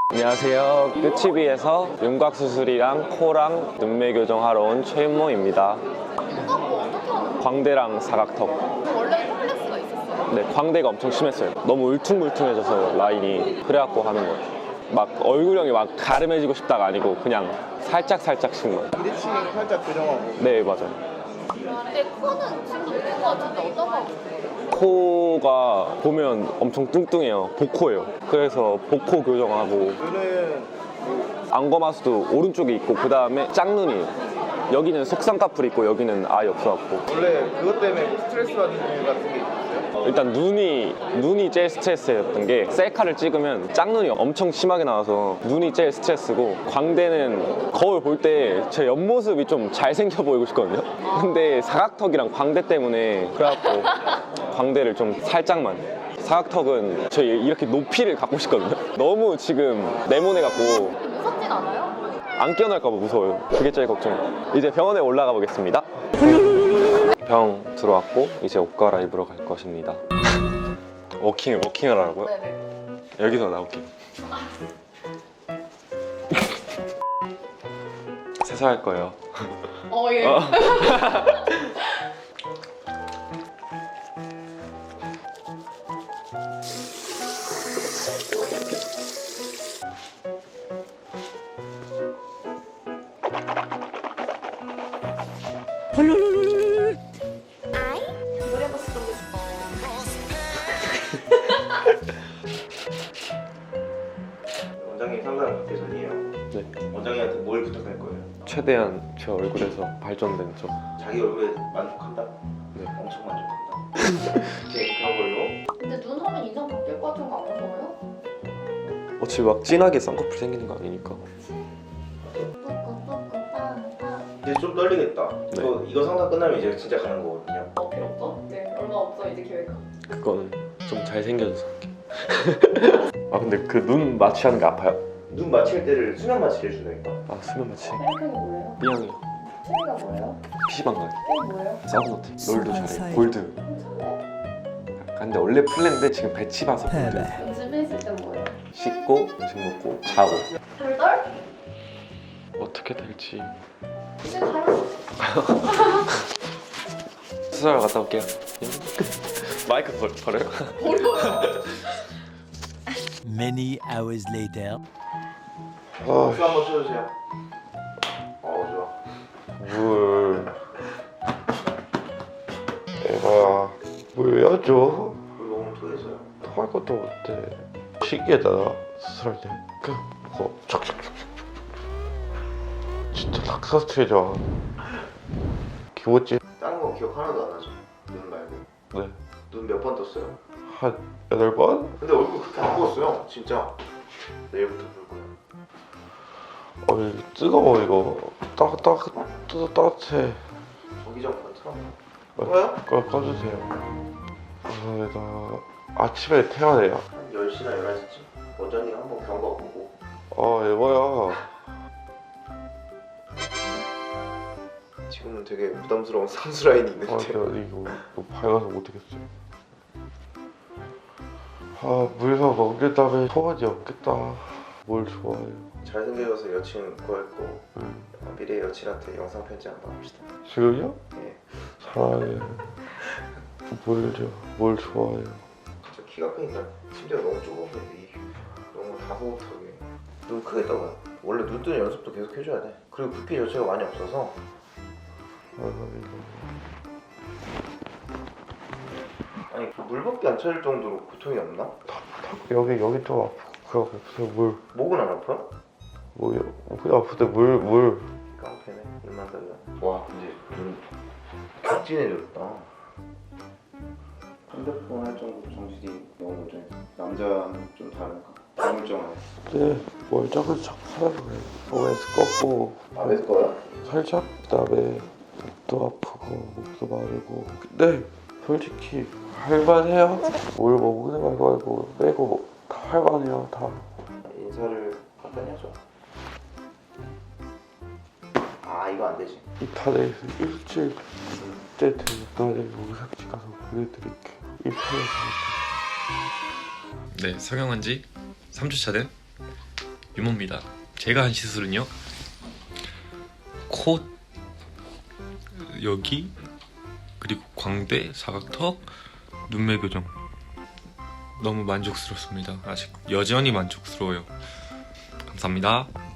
안녕하세요. 끝치비에서 윤곽 수술이랑 코랑 눈매 교정하러 온 최윤모입니다. 윤곽 뭐 어떻게 하는 거예요? 광대랑 사각턱. 원래 컴플렉스가 있었어요? 네, 광대가 엄청 심했어요. 너무 울퉁불퉁해져서 라인이. 그래갖고 하는 거예요. 막 얼굴형이 막 가름해지고 싶다가 아니고 그냥 살짝씩만. 비대칭 살짝 교정하고. 네, 맞아요. 근데 코는 지금 있는 거 같은데 어떤 거 같아요? 코가 보면 엄청 뚱뚱해요. 복코예요. 그래서 복코 교정하고 눈은 안검하수도 오른쪽에 있고 그 다음에 짝눈이에요. 여기는 속쌍꺼풀 있고 여기는 아예 없어갖고. 원래 그것 때문에 뭐 스트레스 받는 일 같은 게 있었어요? 일단 눈이 제일 스트레스였던 게 셀카를 찍으면 짝눈이 엄청 심하게 나와서 눈이 제일 스트레스고, 광대는 거울 볼 때 제 옆모습이 좀 잘생겨 보이고 싶거든요. 근데 사각턱이랑 광대 때문에 그래갖고 광대를 좀 살짝만. 사각턱은 저 이렇게 높이를 갖고 싶거든요. 너무 지금 네모네갖고 무섭진 않아요? 안 깨어날까봐 무서워요. 그게 제일 걱정이에요. 이제 병원에 올라가 보겠습니다. 병 들어왔고 이제 옷 갈아입으러 갈 것입니다. 워킹을 하라고요? 네네. 여기서 나올게요. 세수할 거예요. 예. 노래 버스 보고 싶어. 원장님 상담 받기 전이에요. 네. 원장님한테 뭘 부탁할 거예요? 최대한 제 얼굴에서 발전된 점. 자기 얼굴에 만족한다? 네. 엄청 만족한다. 오케이, 그런 걸로. 근데 눈 하면 인상 바뀔 것 같은 거 안 무서워요? 어차피 막 진하게 쌍꺼풀 생기는 거 아니니까. 이제 좀 떨리겠다. 네. 이거 상담 끝나면 이제 진짜 가는 거거든요. 필요 없어? 네, 얼마 없어 이제 기회가. 그거는 좀 잘생겨져서 할게. 아 근데 그 눈 마취하는 게 아파요? 눈 맞힐 때를 수면 마취를 해준다니까. 아 수면 마취. 헬크이 뭐예요? B형이요. 취미가 뭐예요? PC방 가요. 게임 뭐예요? 서브노트. 롤도 잘해. 골드. 근데 원래 플랜인데 지금 배치 봐서 골드. 연습했을 때 뭐예요? 씻고 음식 먹고 자고. 돌돌? 어떻게 될지. 이제 가요. 수술 갔다 올게요. 마이크 버려요? Many hours later. 박수 한번 쳐주세요. 좋아. 물 내가 물 왜 줘? 물 먹으면 토해져요. 토할 것도 못해. 신기하다. 수술할 때 그냥 뭐 촥촥촥촥 진짜 락사스트해져. 기모찌. 다른 거 기억 하나도 안 나죠? 눈 말고. 네. 눈 몇 번 떴어요? 한 8번? 근데 얼굴 그렇게 안 부었어요. 진짜. 내일부터 볼 거야. 뜨거워 이거. 따뜻해. 전기장 많더라. 뭐야? 꺼주세요. 나 아침에 태어나요. 한 10시나 11시쯤 원장님 한번 경과 보고. 에바야. 지금은 되게 부담스러운 상수 라인이 있는데. 이거 밝아서 못하겠어요. 물에서 먹는 다음에 소원이 없겠다. 뭘 좋아해요? 잘생겨서 여친 구할 거. 미래 여친한테 영상 편지 한번 합시다. 지금요? 예. 사랑해. 뭘 좋아해요? 저 키가 크니까 심지어 너무 좁은데 너무 다소곳하게 눈 크게 떠봐요. 원래 눈 뜨는 연습도 계속 해줘야 돼. 그리고 붓기 자체가 많이 없어서. 아니 물밖에 안 차릴 정도로 고통이 없나? 여기 좀 아프고 그냥 목은 안 아파요? 그냥 아픈데 물. 깡패네 눈만 달라. 와 근데 눈 격진해졌다. 핸드폰 할 정도로 정신이 너무 멀쩡해. 남자는 좀 다른가? 다물쩡하네. 네, 멀쩡한 척 살아서 그래. 몸에서 꺾고 안에서 거야? 살짝. 그다음에 목도 아프고 목도 마르고. 근데 솔직히 할만해요. 뭘 먹는 말고 빼고 다 할만해요. 다. 인사를 간단히 하죠. 이거 안 되지. 이탈에서 일주일 때 되는 날에 의학지 가서 보내드릴게요. 이탈에서. 네, 성형한 지 3주차 된 유모입니다. 제가 한 시술은요, 코 여기, 그리고 광대, 사각턱, 눈매 교정. 너무 만족스럽습니다. 아직 여전히 만족스러워요. 감사합니다.